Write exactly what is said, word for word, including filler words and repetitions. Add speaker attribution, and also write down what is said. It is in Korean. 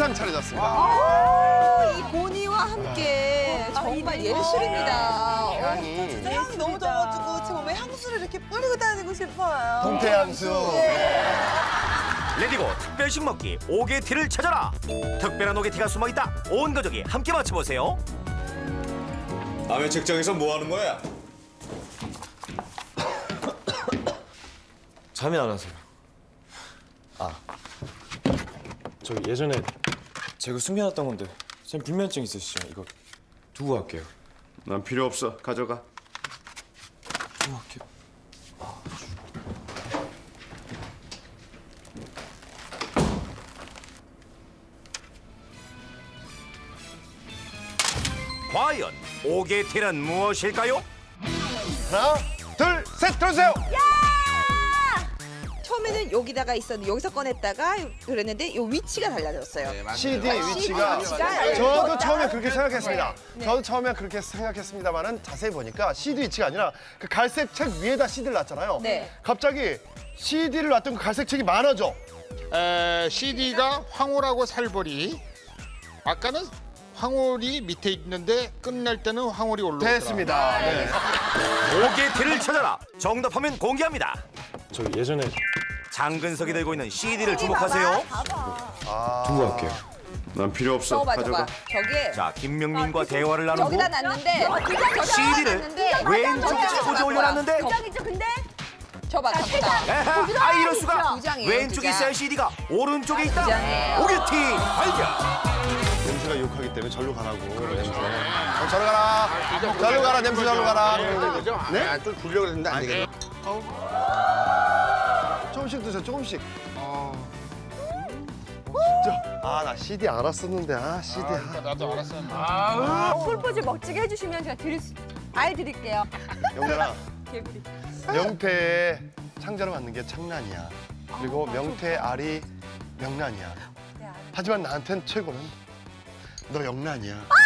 Speaker 1: 세상 차려졌습니다.
Speaker 2: 아, 이 고니와 함께 정말 예술입니다.
Speaker 1: 향이
Speaker 3: 진짜 향이 너무 좋아가지고 제 몸에 향수를 이렇게 뿌리고 다니고 싶어요.
Speaker 1: 동태향수.
Speaker 4: 레디고 특별식 먹기 오게티를 찾아라. 특별한 오게티가 숨어있다. 온 가족이 함께 맞춰보세요.
Speaker 5: 남의 책장에서 뭐 하는 거야?
Speaker 6: 잠이 안 와서요. 아, 저기 예전에 제가 숨겨놨던 건데 쌤 불면증 있으시죠? 이거 두고 갈게요.
Speaker 1: 난 필요 없어. 가져가.
Speaker 6: 두고 갈게요.
Speaker 4: 과연 오게티는 무엇일까요?
Speaker 1: 하나, 둘, 셋, 들어주세요.
Speaker 2: 처음에는 여기다가 있었는데 여기서 꺼냈다가 그랬는데 요 위치가 달라졌어요.
Speaker 1: 씨디 위치가
Speaker 2: 위치가
Speaker 1: 저도 처음에 그렇게 생각했습니다. 저도 처음에 그렇게 생각했습니다만은 자세히 보니까 씨디 위치가 아니라 그 갈색 책 위에다 씨디를 놨잖아요.
Speaker 2: 네.
Speaker 1: 갑자기 씨디를 놨던 그 갈색 책이 많아져.
Speaker 7: 에, 씨디가 황홀하고 살벌이. 아까는 황홀이 밑에 있는데 끝날 때는 황홀이 올라오더라.
Speaker 1: 됐습니다. 네.
Speaker 4: 오게티를 찾아라. 정답하면 공개합니다.
Speaker 6: 저기 예전에
Speaker 4: 장근석이 들고 있는 씨디를 주목하세요.
Speaker 6: 두고 갈게요.
Speaker 1: 난 필요 없어.
Speaker 2: 저거 봐, 저거 봐. 저기에
Speaker 4: 자, 김명민과 대화를 나누고
Speaker 2: 저기다 놨는데
Speaker 4: 씨디를 왼쪽에 포즈 올려놨는데
Speaker 8: 부장이죠, 근데?
Speaker 2: 저봐, 저봐.
Speaker 4: 에헤, 아 이럴 수가.
Speaker 2: 부장이에요,
Speaker 4: 왼쪽에
Speaker 2: 부장.
Speaker 4: 있어야 씨디가 오른쪽에 있다.
Speaker 2: 부장이에요.
Speaker 4: 오게티 발견.
Speaker 1: 냄새가 욕하기 때문에 절로 가라고. 냄새. 어, 절로 가라. 절로 가라. 냄새 절로 가라. 네?
Speaker 7: 아, 좀 굴려고 했는데 안 되겠네.
Speaker 1: 조금씩 드세요. 조금씩. 진짜. 아, 나 씨디 알았었는데. 아, 씨디. 아,
Speaker 7: 나도 알았었는데.
Speaker 8: 풀포즈 멋지게 해주시면 제가 드릴 수, 알 드릴게요.
Speaker 1: 영란아.
Speaker 8: 개구리.
Speaker 1: 명태의 창자로 만든 게 창란이야. 그리고 명태 알이 명란이야. 하지만 나한텐 최고는 너 영란이야.